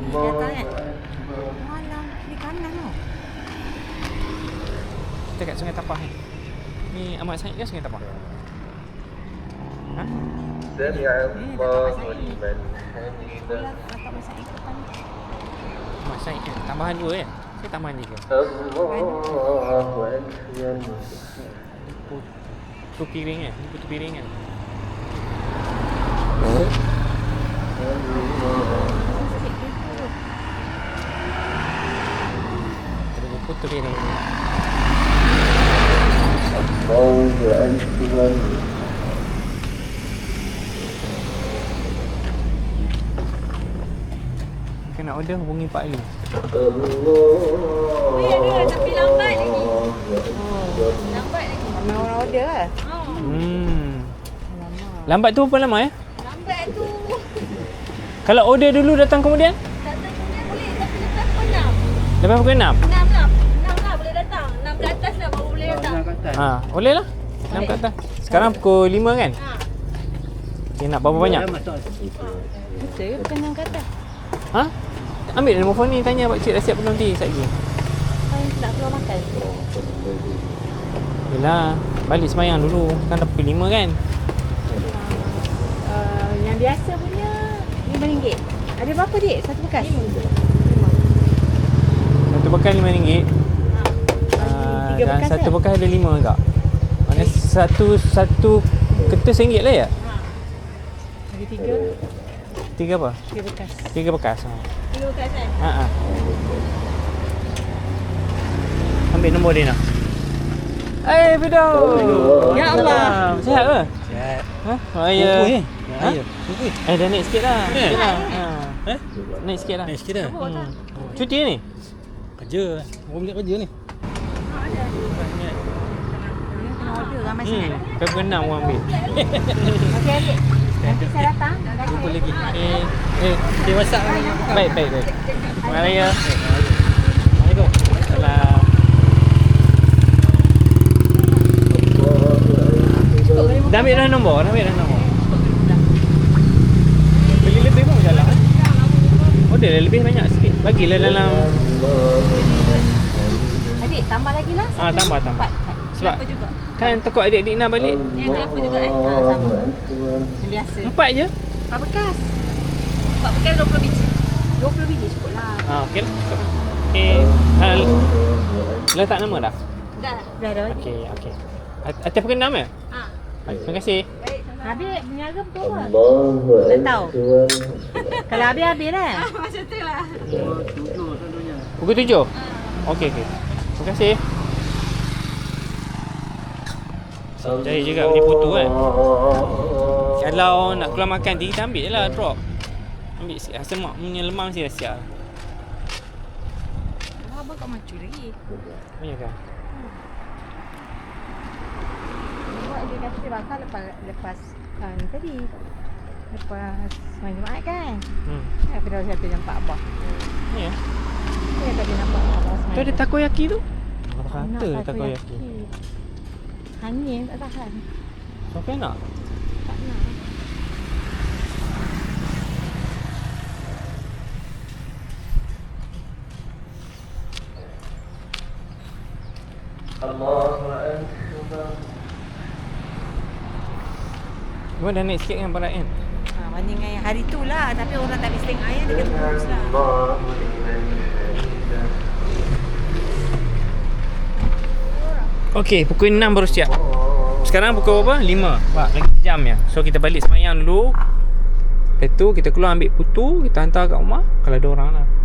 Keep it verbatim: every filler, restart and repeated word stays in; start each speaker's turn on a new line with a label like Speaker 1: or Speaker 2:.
Speaker 1: datang kan. Malam kiri kanan tau.
Speaker 2: Kita kat Sungai Tapah ni. Ni Ahmad Said ke Sungai Tapah? Ha?
Speaker 3: Sami Allahu liman hamidah.
Speaker 1: Letak masa itu depan ni.
Speaker 2: Ahmad Said kan? Tambahan dua kan? Saya tambahan tiga.
Speaker 3: Allahu akbar.
Speaker 2: Putu piring kan? Ni putu piring kan? Terus putu piring.
Speaker 3: Allahu akbar.
Speaker 2: Kena order hubungi Pak Ali.
Speaker 1: Oh ya dia tapi lambat lagi. Oh, lambat lagi. Ramai orang order lah. Oh.
Speaker 2: Hmm.
Speaker 1: Lama.
Speaker 2: Lambat tu berapa lama ya?
Speaker 1: Lambat tu.
Speaker 2: Kalau order dulu datang kemudian?
Speaker 1: Datang kemudian boleh tapi lepas pukul enam.
Speaker 2: Lepas pukul enam?
Speaker 1: enam lah. enam lah boleh datang. enam ke atas lah baru boleh datang.
Speaker 2: Ha, boleh lah. enam kat atas. Sekarang pukul lima kan?
Speaker 1: Ha.
Speaker 2: Okay, nak berapa banyak?
Speaker 1: Betul ke bukan enam ke atas?
Speaker 2: Ha? Ambil nombor phone ni, tanya pak cik dah siap belum nanti sekejap lagi.
Speaker 1: Saya nak keluar makan.
Speaker 2: Yelah, balik semayang dulu. Kan dah pukul lima kan?
Speaker 1: Uh, yang biasa punya lima ringgit. Ada berapa dik? Satu bekas? lima.
Speaker 2: Satu bekas lima ringgit.
Speaker 1: Ha.
Speaker 2: Uh,
Speaker 1: Tiga
Speaker 2: dan
Speaker 1: bekas
Speaker 2: satu
Speaker 1: ke?
Speaker 2: bekas ada lima agak. Maknanya satu satu kertas ringgit lah ya?
Speaker 1: Ha. Ada tiga.
Speaker 2: Tiga apa?
Speaker 1: Tiga bekas.
Speaker 2: Tiga bekas. Ha.
Speaker 1: Tiga bekas kan?
Speaker 2: Ha. ha. Ambil nombor dia nak. Eh, Fido. Ya Allah. Sihat ke?
Speaker 4: Sihat.
Speaker 2: Ha? Oh, ya.
Speaker 4: eh.
Speaker 2: Ha?
Speaker 4: Ya. Kuku eh.
Speaker 2: Eh, dah naik sikit lah.
Speaker 4: Eh?
Speaker 2: Sikit lah. Ha.
Speaker 4: Eh?
Speaker 2: Naik sikit lah.
Speaker 4: Naik sikit dah.
Speaker 2: Hmm. Cuti ni?
Speaker 4: Kerja. Orang boleh kerja ni.
Speaker 1: Kena order ramai
Speaker 2: Hmm.
Speaker 1: sangat.
Speaker 2: Kau pukul enam orang ambil.
Speaker 1: Okey adik. Nanti saya datang.
Speaker 4: Jumpa lagi.
Speaker 2: Eh, eh.
Speaker 4: Okay, WhatsApp ni.
Speaker 2: Baik, baik, baik. Terima kasih ya.
Speaker 4: Assalamualaikum.
Speaker 2: Salam. Dah ambil dah nombor? Dah ambil dah nombor? Beli lebih pun jalan kan? Order dah lebih banyak sikit. Bagilah dalam...
Speaker 1: Adik tambah lagi lah.
Speaker 2: Ah, tambah, tambah.
Speaker 1: Empat.
Speaker 2: Sebab
Speaker 1: Berapa juga?
Speaker 2: kan takut adik-adik nak balik.
Speaker 1: Eh, berapa juga eh? Ha, sama. Yang biasa.
Speaker 2: Empat je?
Speaker 1: Empat bekas. Empat bekas dua puluh biji. Dua puluh biji cukup lah.
Speaker 2: Ah, okey lah. Okey. Ah, letak nama dah?
Speaker 1: Dah. Dah dah.
Speaker 2: Okey, okey. At- Atas pukul enam ya?
Speaker 1: Ha.
Speaker 2: Baik, terima kasih.
Speaker 1: Baik. Habis berniaga betul apa?
Speaker 3: Allahu
Speaker 1: Tak tahu.
Speaker 3: akbar.
Speaker 1: Kalau habis-habis lah. Macam tu lah.
Speaker 2: Pukul tujuh? Okey, okey. Terima kasih. Cari juga beli putu kan. Kalau nak keluar makan tinggi, kita ambil je lah drop. Ambil sikit. Asal mak punya lemang mesti dah siap.
Speaker 1: Oh, abang kau macu lagi.
Speaker 2: Ya kan?
Speaker 1: Buat dia kata dia bakal lepas lepas uh, ni tadi. Lepas main Jumaat kan.
Speaker 2: Hmm.
Speaker 1: Ya, pada satu jam empat abah.
Speaker 2: Ya.
Speaker 1: Dia kata dia nampak abah
Speaker 2: Tu
Speaker 1: semain.
Speaker 2: ada takoyaki tu? Apa
Speaker 1: Nak
Speaker 2: kata takoyaki?
Speaker 1: Hangin tak tahan.
Speaker 2: Siapa nak?
Speaker 1: Tak nak.
Speaker 3: Allahu akbar.
Speaker 2: Gua dah naik sikit kan barat kan?
Speaker 1: Ha, banding dengan yang hari tu lah. Tapi orang tak habis tengok ayam dia kena kurus lah.
Speaker 3: Allahu liman hamidah.
Speaker 2: Okey, pukul enam baru siap. Sekarang pukul berapa? lima. Pak, lagi sejam ya. So kita balik semayang dulu. Lepas tu kita keluar ambil putu, kita hantar kat rumah kalau ada orang lah.